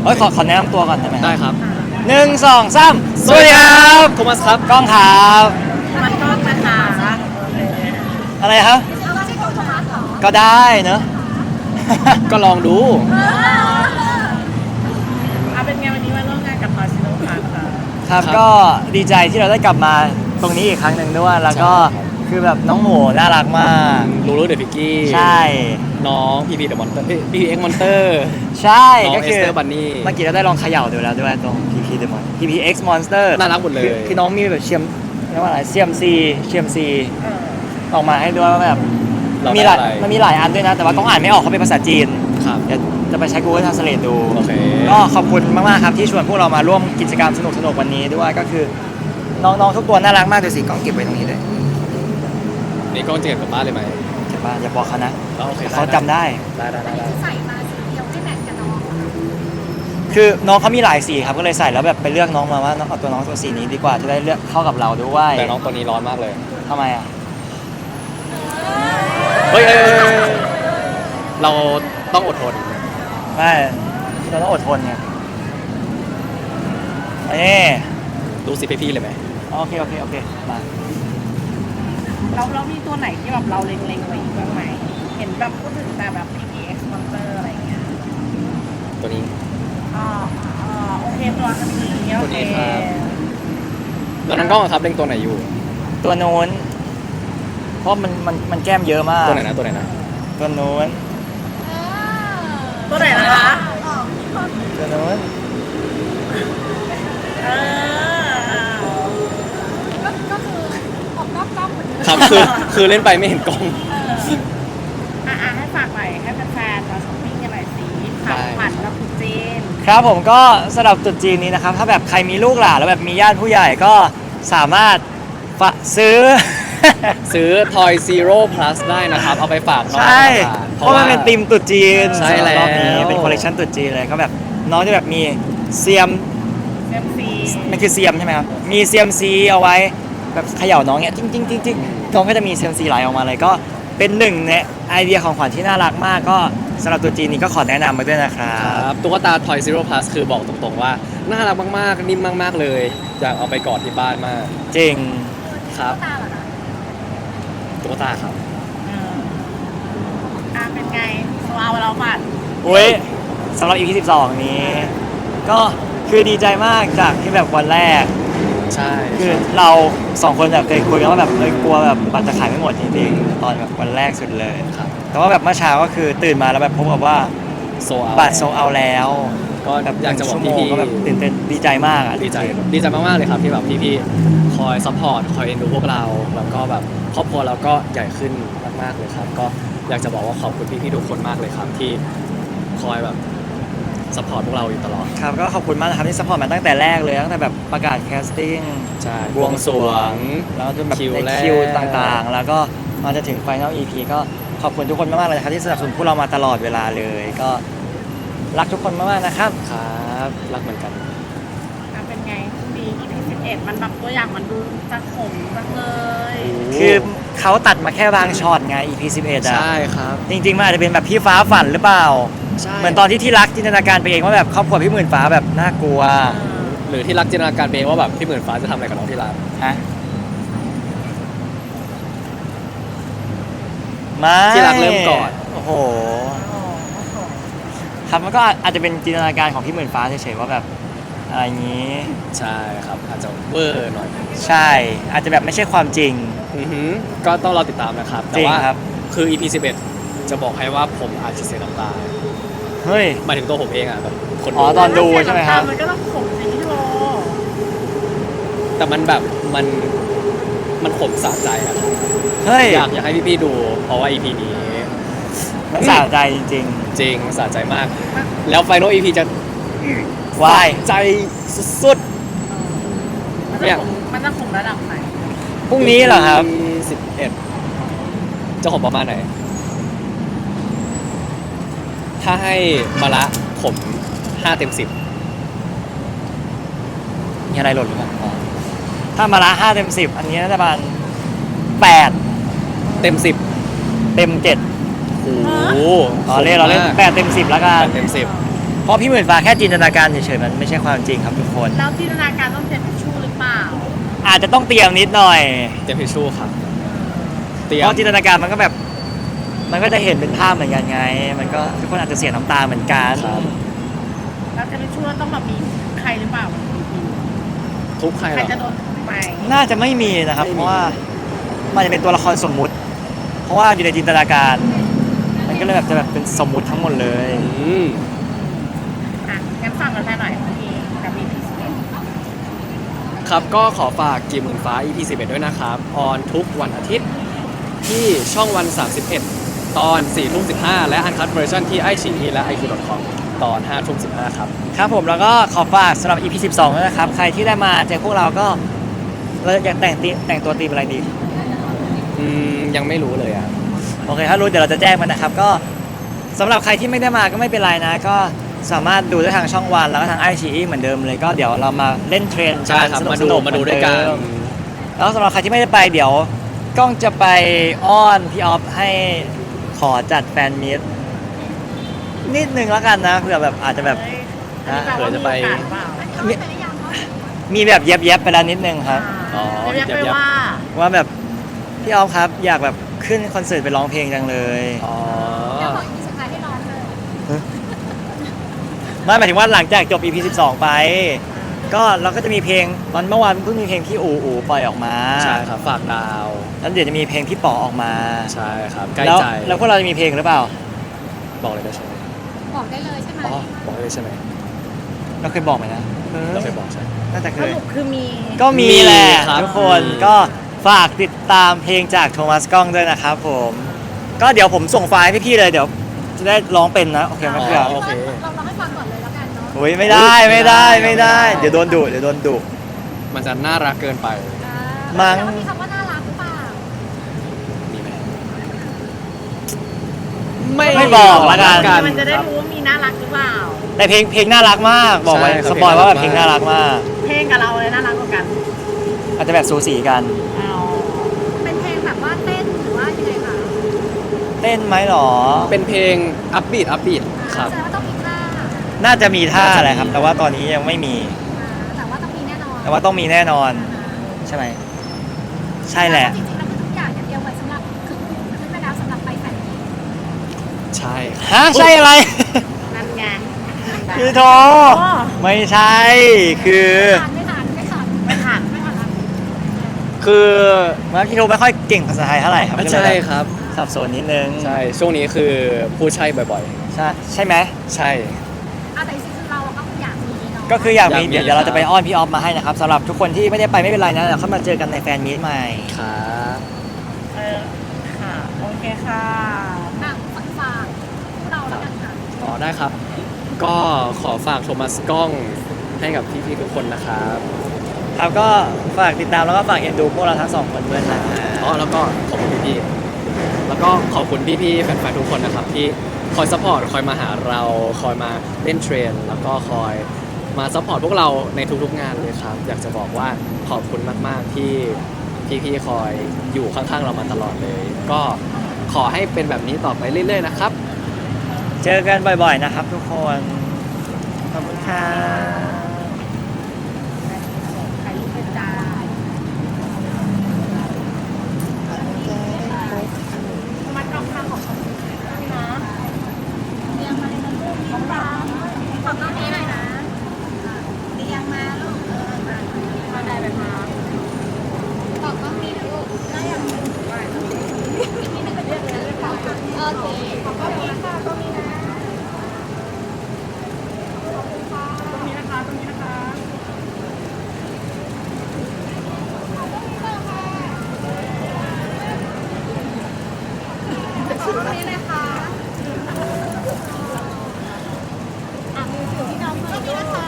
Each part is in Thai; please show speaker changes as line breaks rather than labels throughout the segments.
เฮ้ยขอแนะนำตัวก่อนได้ไหม
ได้ครับ
1 2 3สวัสดีครับ
โทมัสครับ
กล้องครับ
มันก็มาหา
อะไรครับก็ได้เนอะ
ก็ลองดู
เอาเป็นไงวันนี้มาร่วมงานกับพาซิโนค่ะ
ครับก็ดีใจที่เราได้กลับมาตรงนี้อีกครั้งหนึ่งด้วยแล้วก็
ใช่ครับ
คือแบบน้องหมูน่ารักมาก
รู้เดอะพิกกี้
ใช่
น้องพีพีเดอะมอนเตอร์พีพีเอ็กมอนเตอร์
ใช่
น้อง
ก็คือ
Esther Bunny
เมื่อกี้เราได้ลองเขย่าดูแล้วด้วยตรง PP Demon PPX Monster
น่ารักหมดเลย
คือน้องมีแบบเรียกว่าอะไรเซียมซีออกมาให้ด้วยว่าแบบ
เรา
มี
ได้
หลาย
อะไร
มันมีหลายอันด้วยนะ แต่ว่าต้องอ่านไม่ออกเขาเป็นภาษาจีน
ครับ
เดี๋ยวจะไปใช้ Google Translate ดู
โอเค
ก็ขอบคุณมากๆครับที่ชวนพวกเรามาร่วมกิจกรรมสนุกๆวันนี้ด้วยก็คือน้องๆทุกตัวน่ารักมากดูสิกล้องเก็บไว้ตรงนี้เลย
นี่กล้องจะเก็บกลับบ้านเลยไหม
เก็บบ้านอย่าบอกเขานะ
โอเค
เขาจำได้
ได้
ใส่มาสีเดียวไม่แมทกับน้อง
คือน้องเขามีหลายสีครับก็เลยใส่แล้วแบบไปเลือกน้องมาว่าน้องเอาตัวน้องตัวสีนี้ดีกว่าจะได้เลือกเข้ากับเราด้วย
แต่น้องตัวนี้ร้อนมากเลย
ทำไมอ่ะ
เฮ้ยเราต้องอดทน
ไม่เราต้องอดทนไงนี่
ดูสิพี่ๆเลยไหม
โอเคมา
เรามีตัวไหนที่แบบเราเล็งๆไว้อีกบ้างไหมเห็นแบบพูดถึงแต่แบบ PPX Monster อะไรอย่างเงี้ย
ตัวนี้
อ๋อโอเคตัวนี้โอเค
แล้วน้องกล้องอะครับเล็งตัวไหนอยู่
ตัวโน้นเพราะมันแก้มเยอะมาก
ตัวไหนนะ
ตัวโน้น
ตัวไหนนะคะ
ตัวโน้น
เออ
ก็คือออกนอกกล้องเหมือนเดิม
ครับคือเล่นไปไม่เห็นกล้อง
ให้ฝากหน่อยให้แฟนๆมาช้อปปิ้งกันหน่อยสิขับผ่านรับตุ๊จีน
ครับผมก็สำหรับตรุษจีนนี้นะครับถ้าแบบใครมีลูกหลานแล้วแบบมีญาติผู้ใหญ่ก็สามารถซื้อ
ซื้อ Toy Zero Plus ได้นะครับ เอาไปฝากน้อง
ใช่
นะครับ
เพราะมันเป็นธีมตรุษจีน
ใช่แล้ว
รอบนี้เป็นคอลเลคชันตรุษจีนเลยก็แบบน้องจะแบบมีเซียม
MC
มันคือเซียมใช่ไหมครับมีเซียมซีเอาไว้แบบเขย่าน้องเนี่ยจริงน้องก็จะมีเซียมซีไหลออกมาเลยก็เป็นหนึ่งในไอเดียของขวัญที่น่ารักมากก็สำหรับตรุษจีนนี้ก็ขอแนะนำมาด้วยนะครั
ครับ บตุ๊กตา Toy Zero Plus คือบอกตรงๆว่า น่ารักมากๆ นิ่มมากๆเลย อยากเอาไปกอดที่บ้านมาก
จริง
ครับ
ตาเหรอคะ
ตุ๊กตาครับ
เป็นไงเอาเราผ่าน
อุ้ยสำหรับ EP 12 นี้ ก็คือดีใจมากจากที่แบบวันแรก
ใช่
คือเราสองคนแบบเคยคุยกันว่าแบบกลัวแบบบัตรจะขายไม่หมดจริงๆตอนแบบวันแรกสุดเลย
ครับ
แต่ว่าแบบเมื่อเช้าก็คือตื่นมาแล้วแบบพบกับว่า
โซเอา
บัตรโซเอาแล้ว
ก็
แบบ
อยากจะบอก
1ชั่วโมง
พี่
ก็แบบตื่นเต้นดีใจมากอ่ะ
ๆดีใจมากๆเลยครับที่แบบพี่ๆคอยซัพพอร์ตคอยเอ็นดูพวกเรา แล้วก็แบบครอบครัวเราก็ใหญ่ขึ้นมากๆเลยครับ ก็อยากจะบอกว่าขอบคุณพี่ๆทุกคนมากเลยครับที่คอยแบบซัพพอร์ตพวกเราอยู่ตลอด
ครับก็ขอบคุณมากนะครับที่สปอร์ตมาตั้งแต่แรกเลยตั้งแต่แบบประกาศแคสติ้ง
ใช่
บวงสรวงแล้วจนแบบ
คิว
ใน
แรก
คิวต่างๆ แล้วก็มาจะถึงไฟนอล EP ก็ขอบคุณทุกคนมากๆเลยนะครับที่สนับสนุนพวกเรามาตลอดเวลาเลย ก็รักทุกคนมากๆนะครับ
ครับรักเหมือนกัน
เป็นไงดี EP 11มันแบบตัวอย่างมันดูจะขมจังเลย
คือเขาตัดมาแค่บางช็อตไง EP 11อ่ะ
ใช่ครับ
จริงๆมันอาจจะเป็นแบบพี่ฟ้าฝันหรือเปล่า
ใช่
เหมือนตอนที่รักจินตนาการไปเองว่าแบบครอบครัวพี่หมื่นฟ้าแบบน่ากลัว
หรือที่รักจินตนาการไปเองว่าแบบพี่หมื่นฟ้าจะทำอะไรกับน้องที่รัก
ฮะไม่
ที่รักเริ่มก่อน
โอ้โหครับมันก็อาจจะเป็นจินตนาการของพี่หมื่นฟ้าเฉยๆว่าแบบอะไรอย่างนี้
ใช่ครับอาจจะเวอร์หน่อย
ใช่ อาจจะแบบไม่ใช่ความจริง
อือหือก็ต้องรอติดตามนะครับ
จ
แต่
ริง
ว่า
ครับ
คือ EP 11 จะบอกให้ว่าผมอาจจะเสียน้ำตา
เฮ้ย
หมายถึงตัวผมเองอ่ะแบบคน
อ๋อตอนดูใช่ไหมครับ
มันก็ต้องขมสิพี่โล
แต่มันแบบมันขมสะใจอ่ะ
เฮ้ย
อยากให้พี่ๆดู เพราะว่า EP นี้
มันสะใจจริง
จริงสะใจมาก แล้ว Final EP จะ
ๆวาย
ใจสุด
มันจะขมระดับไหน
พรุ่งนี้เหรอครับ
11จะขมประมาณไหน ถ้าให้มาละขม5 เต็ม 10
มีอะไรหล่นหรือเปล่าอ๋อถ้ามาละ5 เต็ม 10 อันนี้น่าจะประมาณ8
เต็ม 10
เต็ม 7
โอ้โห
เราเล่น8 เต็ม 10 แล้วกัน
8 เต็ม 10
เพราะพี่หมื่นฟ้าแค่จินตนาการเฉยๆมันไม่ใช่ความจริงครับทุกคน
แล้วจินตนาการต้องเซ็นทิชชู่หรือเปล่า
อาจจะต้องเตรียมนิดหน่อย
เตรียมทิชชู่ครับเตรีย
เพ
ม
ราะจินตนาการมันก็แบบ มันก็จะเห็นเป็นภาพเหมือนกันไง มันก็ทุกคนอาจจะเสียน้ำตาเหมือนกัน
ครับ
แล้วเซ็นทิชชู่ต้องแบบมีใครหรือเปล่า
ทุบใคร
ใค
เห
ร
รอ
จะโดนไหม
น่าจะไม่มีนะครับ
ไม่มี
เพราะว่ามันจะเป็นตัวละครสมมุติ เพราะว่าอยู่ในจินตนาการ มันก็เลยแบบจะแบบเป็นสมมุติทั้งหมดเลย
อ่ะงั้นฟังกันแค่หน่อยพี่กับมีพีซี
ครับก็ขอฝากกีหมื่นฟ้า EP 11ด้วยนะครับออนทุกวันอาทิตย์ที่ช่องวัน 31 ตอน 4:15 และอันคั t เวอร์ชันที่ iQIYI และ iq.com ตอน 5:15 ครับ
ครับผมแล้วก็ขอฝากสำหรับ EP 12ด้วยนะครับ ใครที่ได้มาเจอพวกเราก็เราอยากแต่งตัวธีมอะไรดี
ยังไม่รู้เลยอ่ะ
โอเคถ้ารู้เดี๋ยวเราจะแจ้งมันนะครับ ก็สำหรับใครที่ไม่ได้มาก็ไม่เป็นไรนะ ก็สามารถดูได้ทางช่องวันแล้วก็ทาง iQIYI เหมือนเดิมเลยก็เดี๋ยวเรามาเล่นเทรน
ใช่ครับ
สนุก
มา
ส
ดู
นุก
มาดูด้วยกัน
แล้วสำหรับใครที่ไม่ได้ไปเดี๋ยวกล้องจะไปอ้อนพี่ออฟให้ขอจัดแฟนมีตนิดนึงแล้วกันนะเผื่อแบบอาจจะแบบ
นะ
เผื่อจะไป
เขาไม่เป็นอย่างเขา
มีแบบเย็บๆไปแล้วนิดนึงครับ
อ๋อ
เรียกไป
ยับ
ว่า
ว่าแบบพี่ออฟครับอยากแบบขึ้นคอนเสิร์ตไปร้องเพลงจังเลย
อ๋อ
เดี๋ยวขออีกสุดท้ายให้ร้องเลย
ไม่หมายถึงว่าหลังจากจบ EP 12 ไป ก็เราก็จะมีเพลงวันเมื่อวานเพิ่งมีเพลงที่อูปล่อยออกมา
ใช่ครับฝากดาว
แล้วเดี๋ยวจะมีเพลงพี่ป๋อออกมา
ใช่ครับใกล้
แล้ว
ใจ
แล้วพวกเราจะมีเพลงหรือเปล่า
บอกเลยได้ใช่ไหม
บอกได้เลยใช่ไหม
อ๋อบอกเลยใช่ไหม
เราเคยบอกไหมนะ
เราเคยบอกใช่ไหม
น่าจะเค
ส
ย
รุปคือมี
ก็มีแหละ
มีครับ
ทุกคน
มี
ก็ฝากติดตามเพลงจากโทมัสกล้องด้วยนะครับผม ก็เดี๋ยวผมส่งไฟล์ให้พี่ๆเลยเดี๋ยวจะได้ร้องเป็นนะโอเคไหมเพื่อน
โอเค
เราร้องให้ฟังก่อนเลยแล้วกันเนาะ
โอ้ยไม่ได้เดี๋ยวโดนดุเดี๋ยวโดนดุ
มันจะน่ารักเกินไป
มั้ง
แล้วมีคำว่าน่ารักหรือเปล่า
มีไหม
ไม่บอกละกัน
มันจะได้
ครับ
รู้ว่ามีน่ารักหรือเปล่า
แต่เพลงน่ารักมากบอกไว้
ใช่ครับ
สปอยว่าแบบ
เพ
เพ
ล
ล
ง
ง
น่า
น่า
รั
รั
ก
กมาก
เพลงกับเราเลยน่ารักกว่ากัน
อาจจะแบบสูสีกัน
เอา
เป็นเพลงแบบว่าเต้นหรือว่ายังไงคะ
เต้นไหมหรอ
เป็นเพลงอัพบีทครับ
แสดงว่าต้องมีท่า
น่าจะมีท่าอะไรครับ แต่ว่าตอนนี้ยังไม่มี
แต่ว่าต้องมีแน่นอน
แต่ว่าต้องมีแน่นอน ใช่ไหม ใช่แหละ
จริงๆแล้วคือทุกอย่างเนี่ยเตรียมไว้สำหรับขึ้นไปแล้วสำหรับไปแฟนมีต
ใช่
ฮะใช่อะไร
นั่นไง
คือโทไม่ใช่ คือ
ไม่ทัน
ไม่ทัน
คือเมื่อกี้โทไม่ค่อยเก่งภาษาไทยเท่าไหร่ครับ
ใช่ครับ
สับสนนิดนึง
ใช่ ช่วงนี้คือพูดใช่บ่อย
ใช่ไหม
ๆ ใช่
แต่จริงๆเราก็อยากมีเนาะ
ก็คืออยากมี
อยากมี
เดี๋ยวเรา
ครับ
จะไปอ้อนพี่ออฟมาให้นะครับสำหรับทุกคนที่ไม่ได้ไปไม่เป็นไรนะเดี๋ยวเข้ามาเจอกันในแฟนมีตใหม่
ครับ
ค่ะ โอเคค่ะ
ฝากพวกเราแล้วกันค่ะ
ต่อได้ครับ ก็ขอฝากโทมัสกล้องให้กับพี่ๆทุกคนนะครับ
ครับก็ฝากติดตามแล้วก็ฝากเอ็นดูพวกเราทั้งสองคนด้วยนะ
อ๋อแล้วก็ขอบคุณพี่ๆแล้วก็ขอบคุณพี่ๆแฟนๆทุกคนนะครับ ที่คอยซัพพอร์ตคอยมาหาเราคอยมาเล่นเทรนแล้วก็คอยมาซัพพอร์ตพวกเราในทุกๆงานเลยครับ อยากจะบอกว่าขอบคุณมากๆที่พี่ๆคอยอยู่ข้างๆเรามาตลอดเลย ก็ขอให้เป็นแบบนี้ต่อไปเรื่อยๆนะครับ
เจอกันบ่อยๆนะครับทุกคน ขอบคุณค่ะ
ใครรู้เป็นจ้ามันต้องทำของเขาด้วยนะ
เรียงมาเลยนะลูกของเราขอบน้องนี้หน่อยนะเรียงมาลูกมาได้แบบมาขอบน้องนี้นะลูกได้ยังอีกนิดนึงเป็นเรื่องเลยโอเคขอบน้องนี้ค่ะตรงนี้นะ
ตรงนี้นะคะ ตรงนี้นะคะ
ตรงนี้นะคะมือถือที่น้องตรงนี้นะคะ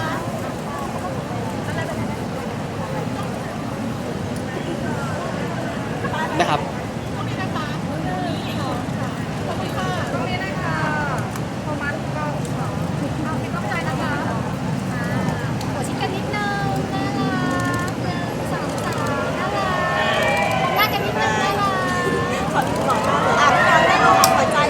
นะครับ
ตรงนี้นะคะตรงนี้ค่ะตรงนี้นะคะโทมัสก็เอาเป็นต้องใจนะคะหัวชิดกันนิดนึงน่ารัก1 2 3น่ารักหน้ากันนิดนึงน่ารักขอบอกว่าได้รูปหัวใจ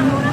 ฝั่งนู้นนะ